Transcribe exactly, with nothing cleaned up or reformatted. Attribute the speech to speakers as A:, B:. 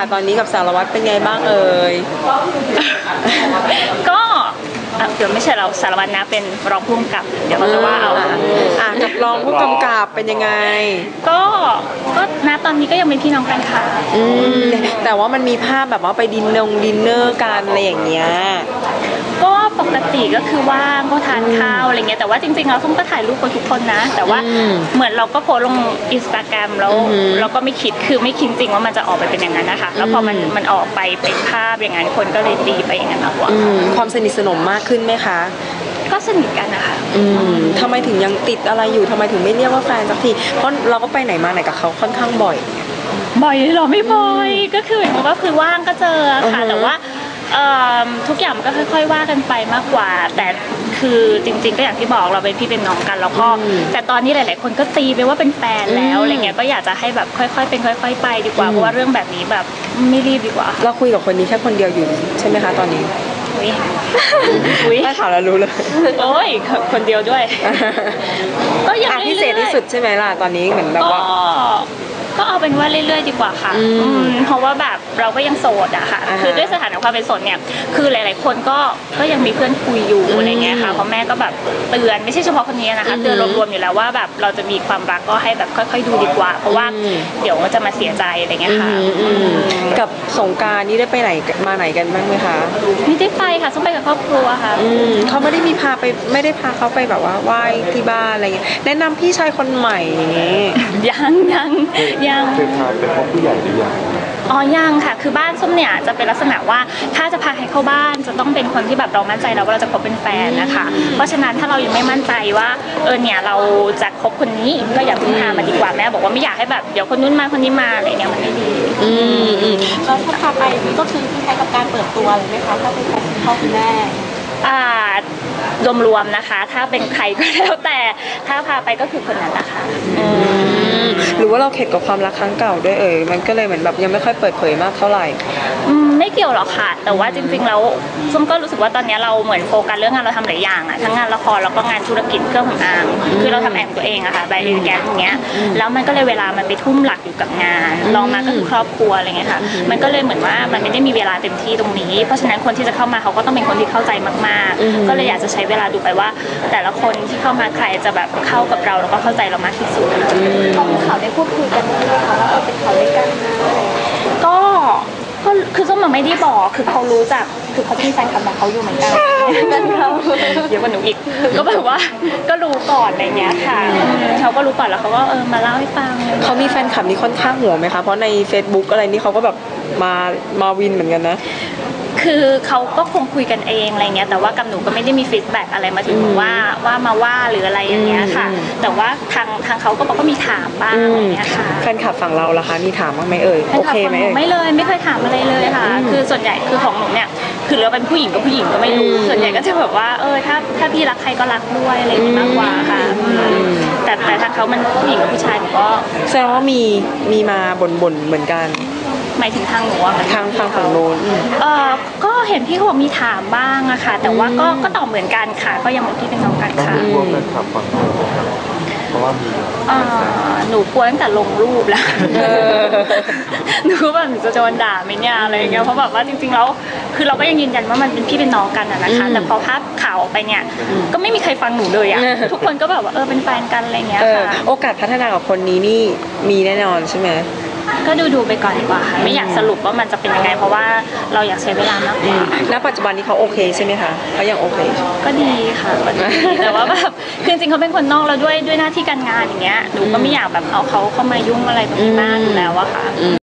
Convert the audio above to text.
A: ตอนนี้กับสารวัตรเป็นไงบ้างเอ่ย
B: ก็เดี๋ยวไม่ใช่เราสารวัตรนะเป็นรองผู้กำกับเดี๋ยวเราจะว่าเอา
A: อ่ะกับรองผู้กำกับเป็นยังไง
B: ก็ก็นะตอนนี้ก็ยังเป็นพี่น้องกันค่ะ
A: อืมแต่ว่ามันมีภาพแบบว่าไปดินนงดินเนอร์กันอะไรอย่างเงี้ย
B: ก็ปกติก็คือว่างก็ทานข้าวอะไรเงี้ยแต่ว่าจริงๆเราต้องก็ถ่ายรูปกับทุกคนนะแต่ว่าเหมือนเราก็โพสลงอินสตาแกรมแล้วเราก็ไม่คิดคือไม่คิดจริงว่ามันจะออกไปเป็นอย่างนั้นนะคะแล้วพอมันมันออกไปเป็นภาพอย่างนั้นคนก็เลยตีไปอย่างนั้นมากกว่า
A: ความสนิทสนมมากขึ้นไหมคะ
B: ก็สนิทกันนะคะ
A: อืมทำไมถึงยังติดอะไรอยู่ทำไมถึงไม่เรียกว่าแฟนสักทีเพราะเราก็ไปไหนมาไหนกับเขาค่อนข้างบ่อย
B: บ่อยหรอไม่บ่อยก็คือเหมือนว่าคือว่างก็เจอค่ะแต่ว่าทุกอย่างมันก็ค่อยๆว่ากันไปมากกว่าแต่คือจริงๆก็อย่างที่บอกเราเป็นพี่เป็นน้องกันแล้วก็แต่ตอนนี้หลายๆคนก็ตีไปว่าเป็นแฟนแล้วอะไรเงี้ยก็อยากจะให้แบบค่อยๆเป็นค่อยๆไปดีกว่าเพราะว่าเรื่องแบบนี้แบบไม่รีบดีกว่า
A: เราคุยกับคนนี้แค่คนเดียวอยู่ใช่ไหมคะตอนนี้
B: อุ้ย
A: ถ้าถามแล้วรู้เลย
B: โอ้ยคนเดียวด้วย
A: ก็ยังพิเศษที่สุดใช่ไหมล่ะตอนนี้เหมือนแบบว่า
B: ก็เอาเป็นว่าเรื่อยๆดีกว่าค่ะเพราะว่าแบบเราก็ยังโสดอะค่ะคือด้วยสถานะความเป็นโสดเนี่ยคือหลายๆคนก็ก็ยังมีเพื่อนคุยอยู่อะไรเงี้ยค่ะเพราะแม่ก็แบบเตือนไม่ใช่เฉพาะคนนี้นะคะเตือนรวมๆอยู่แล้วว่าแบบเราจะมีความรักก็ให้แบบค่อยๆดูดีกว่าเพราะว่าเดี๋ยวจะมาเสียใจอะไรเงี้ยค่ะ
A: กับสงกรานต์นี่ได้ไปไหนมาไหนกันบ้างไหมคะ
B: ไม่ได้ไปค่ะต้องไปกับครอบครัวค่ะ
A: เขาไม่ได้มีพาไปไม่ได้พาเขาไปแบบว่าไหว้ที่บ้านอะไรเงี้ยแนะนำพี่ชายคนใหม่อย่างเงี้ย
B: ยังยังยัง
C: เคยพาไปพบผู้ใหญ่หรือยัง
B: อ๋อยังค่ะคือบ้านส้มเนี่ยจะเป็นลักษณะว่าถ้าจะพาใครเข้าบ้านจะต้องเป็นคนที่แบบเรามั่นใจแล้วว่าเราจะคบเป็นแฟนนะคะเพราะฉะนั้นถ้าเรายังไม่มั่นใจว่าเออเนี่ยเราจะคบคนนี้ก็อย่าเพิ่งพามาดีกว่าแม่บอกว่าไม่อยากให้แบบเดี๋ยวคนนู้นมาคนนี้มาอะไรเนี่ยมันไม่ดี
A: อืมอืม
D: แล้วถ้าพาไปก็คือคล้ายกับการเปิดตัวเลยไหมคะถ้าเป็นคุณพ่อคุณแม่
B: อ่ารวมๆนะคะถ้าเป็นใครก็แล้วแต่ถ้าพาไปก็คือคนนั้นแหละค่ะ
A: หรือว่าเราเข็ดกับความรักครั้งเก่าด้วยเอ่ยมันก็เลยเหมือนแบบยังไม่ค่อยเปิดเผยมากเท่าไหร่
B: ไม่เกี่ยวหรอกค่ะแต่ว่าจริงๆแล้วส้มก็รู้สึกว่าตอนนี้เราเหมือนโฟกัสเรื่องงานเราทำหลายอย่างอะทั้งงานละครแล้วก็งานธุรกิจเครื่องสำอางคือเราทำแอมตัวเองอะค่ะใบเอแกนอย่างเงี้ยแล้วมันก็เลยเวลามันไปทุ่มหลักอยู่กับงานลองมาก็คือครอบครัวอะไรเงี้ยค่ะมันก็เลยเหมือนว่ามันไม่ได้มีเวลาเต็มที่ตรงนี้เพราะฉะนั้นคนที่จะเข้ามาเขาก็ต้องเป็นคนที่เข้าใจมากๆก็เลยอยากจะใช้เวลาดูไปว่าแต่ละคนที่เข้ามาใครจะแบบเข้ากับเราแล้วก็เข้าใจเรามากที่สุด
D: ตอนข่าวได้พูดคุยกันไหมคะว่าเป็นข่าวด้วยกัน
B: ก็ก็คือส้มมันไม่ได้บอกคือเขารู้จักคือเขาจะมีแฟนคลับของเขาอยู่เหมือนกันกันเขาเยอะกว่าหนูอีกก็แบบว่าก็รู้ก่อนอะไรเงี้ยค่ะเขาก็รู้ก่อนแล้วเขาก็เออมาเล่าให้ฟัง
A: เขามีแฟนคลับนี่ค่อนข้างหัวไหมคะเพราะใน Facebook อะไรนี่เขาก็แบบมามาวินเหมือนกันนะ
B: คือเขาก็คงคุยกันเองอะไรเงี้ยแต่ว่ากับหนูก็ไม่ได้มีฟีดแบ็กอะไรมาถึงว่าว่ามาว่าหรืออะไรอย่างเงี้ยค่ะแต่ว่าทางทางเขาก็บอกก็มีถามบ้างอะไรเงี้ยค่ะ
A: แฟนคลับฝั่งเราล่ะคะมีถามบ้างไหมเอ่ยโอเคไหม
B: ไม่เลยไม่เคยถามอะไรเลยค่ะคือส่วนใหญ่คือของหนูเนี่ยคือเราเป็นผู้หญิงกับผู้หญิงก็ไม่รู้ส่วนใหญ่ก็จะแบบว่าเออถ้าถ้าพี่รักใครก็รักด้วยอะไรอย่างงี้มากกว่าค่ะแต่แต่ทางเขามันผู้หญิงกับผู้ชายหนูก็
A: แสดงว่ามีมีมาบ่นๆเหมือนกัน
B: หมายถึงทางหนูอะ
A: ทางทางฝั่งโน้น
B: เออก็เห็นพี่เขาบอกมีถามบ้างอะค่ะแต่ว่าก็ก็ตอบเหมือนกันค่ะก็ยังบอกที่เป็นน้องกันค่ะ
C: กลัวแฟนคลับฝั่งโน้นเพราะว่ามี
B: หนูกลัวตั้งแต่ลงรูปแล้วหนูก็แบบหนูจะโดนด่าไหมเนี่ยอะไรเงี้ยเพราะแบบว่าจริงๆแล้วคือเราก็ยังยืนยันว่ามันเป็นพี่เป็นน้องกันอะนะคะแต่พอภาพข่าวออกไปเนี่ยก็ไม่มีใครฟังหนูเลยอะทุกคนก็แบบว่าเออเป็นแฟนกันอะไรเงี้ยค่ะ
A: โอกาสพัฒนากับคนนี้นี่มีแน่นอนใช่ไหม
B: ก็ดูดูไปก่อนดีกว่าค่ะไม่อยากสรุปว่ามันจะเป็นยังไงเพราะว่าเราอยากใช้เวลามากกว่า
A: ณปัจจุบันนี้เขาโอเคใช่ไหมคะเขายังโอเค
B: ก็ดีค่ะแต่ว่าแบบคือจริงเขาเป็นคนนอกแล้วด้วยด้วยหน้าที่การงานอย่างเงี้ยหนูก็ไม่อยากแบบเอาเขาเข้ามายุ่งอะไรตรงนี้มากอยู่แล้วอะค่ะ